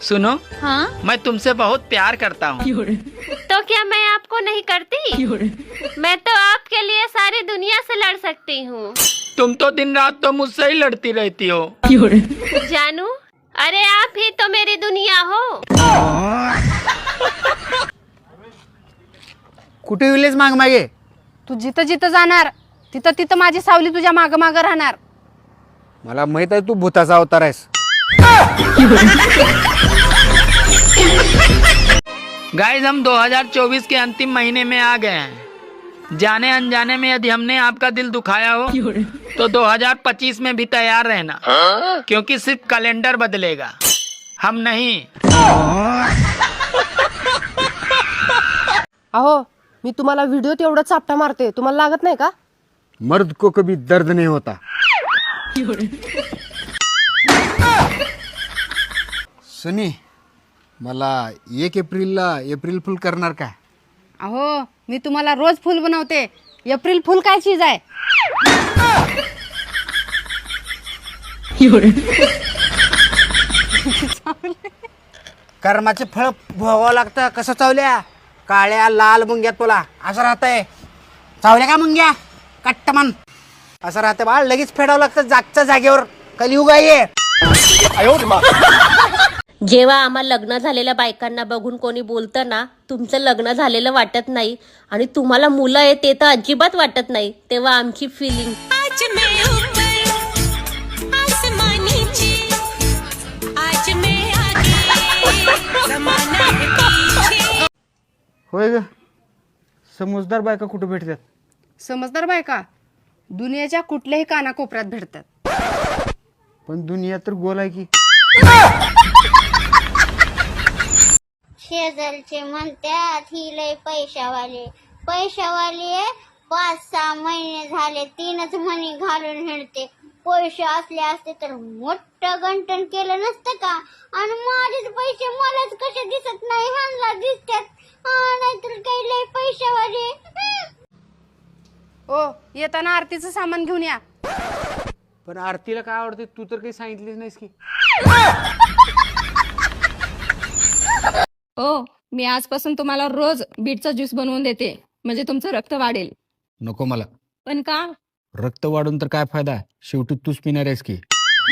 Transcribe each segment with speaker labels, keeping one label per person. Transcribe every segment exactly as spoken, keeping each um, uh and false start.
Speaker 1: सुनो।
Speaker 2: हाँ?
Speaker 1: मैं तुमसे बहुत प्यार करता हूँ।
Speaker 2: तो क्या मैं आपको नहीं करती? मैं तो आपके लिए सारी दुनिया से लड़ सकती हूँ।
Speaker 1: तुम तो दिन रात तो मुझसे ही लड़ती रहती हो।
Speaker 2: जानू, अरे आप ही तो मेरी दुनिया हो।
Speaker 3: कुठे विलेज माग मागे?
Speaker 4: तू जिथं जिथं जाणार तिथं तिथं माझी सावली तुझ्या माग माग राहणार.
Speaker 3: मला माहित आहे तू भूताचा अवतार आहेस.
Speaker 1: गाइस, हम दो हज़ार चौबीस के अंतिम महीने में आ गए हैं। जाने अनजाने में यदि हमने आपका दिल दुखाया हो तो दो हज़ार पच्चीस में भी तैयार रहना, क्योंकि सिर्फ कैलेंडर बदलेगा, हम नहीं।
Speaker 4: अहो, मी तुम्हाला व्हिडिओ तेवढा चापटा मारते, तुम्हाला लागत नाही का?
Speaker 3: मर्द को कभी दर्द नहीं होता. सुनी, मला एक एप्रिलला एप्रिल फुल करणार का?
Speaker 4: अहो, मी तुम्हाला रोज फुल बनवते. एप्रिल फुल काय चीज आहे?
Speaker 3: कर्माचे फळ भोगावं लागतं. कसं चावल्या काळ्या लाल मुंग्या तुला असं राहतंय. चावल्या का मुंग्या कट्टमन असं राहतंय बाळ. लगेच फेडावं लागतं जागच्या जागेवर. कलियुग आहे.
Speaker 2: जेव्हा आम्हाला लग्न झालेल्या बायकांना बघून कोणी बोलतं ना, तुमचं लग्न झालेलं वाटत नाही आणि तुम्हाला मुलं आहे ते तर अजिबात वाटत नाही, तेव्हा आमची फिलिंग.
Speaker 3: होय ग, समजदार बायका कुठे भेटतात?
Speaker 4: समजदार बायका दुनियाच्या कुठल्याही कानाकोपऱ्यात भेटतात.
Speaker 3: पण दुनिया तर गोल आहे की.
Speaker 5: शेजारचे म्हणतात ही लय पैशावाले पैशावाले पाच सहा महिने झाले तीनच मणी घालून हिंडते. पैसे असले असते तर मोठं गंटन केलं नसतं का? आणि माझेच पैसे मलाच कसे दिसत नाही, ह्यांना दिसतात. नाहीतर काही लय पैशावाले.
Speaker 4: ओ, येताना आरतीचं सामान घेऊन या.
Speaker 3: पण आरतीला काय आवडते तू तर काही सांगितलीच नाहीस की.
Speaker 6: ओ, मी आजपासून तुम्हाला रोज बीटचा ज्यूस बनवून देते, म्हणजे तुमचं रक्त वाढेल.
Speaker 3: नको मला.
Speaker 6: पण का?
Speaker 3: रक्त वाढून तर काय फायदा, शेवटी तूच पिणार आहेस की.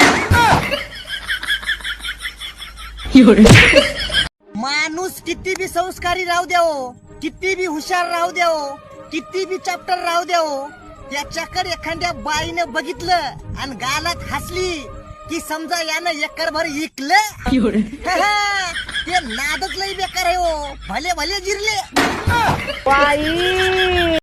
Speaker 7: माणूस किती बी संस्कारी राहू द्यावो, किती बी हुशार राहू द्यावो, किती बी चॅप्टर राहू द्यावो, त्याच्याकडे एखाद्या बाईनं बघितलं आणि गालात हसली की समजा यानं एकरभर इकलं. ते नादच लई बेकार आहे हो. भले भले जिरले.
Speaker 4: बाई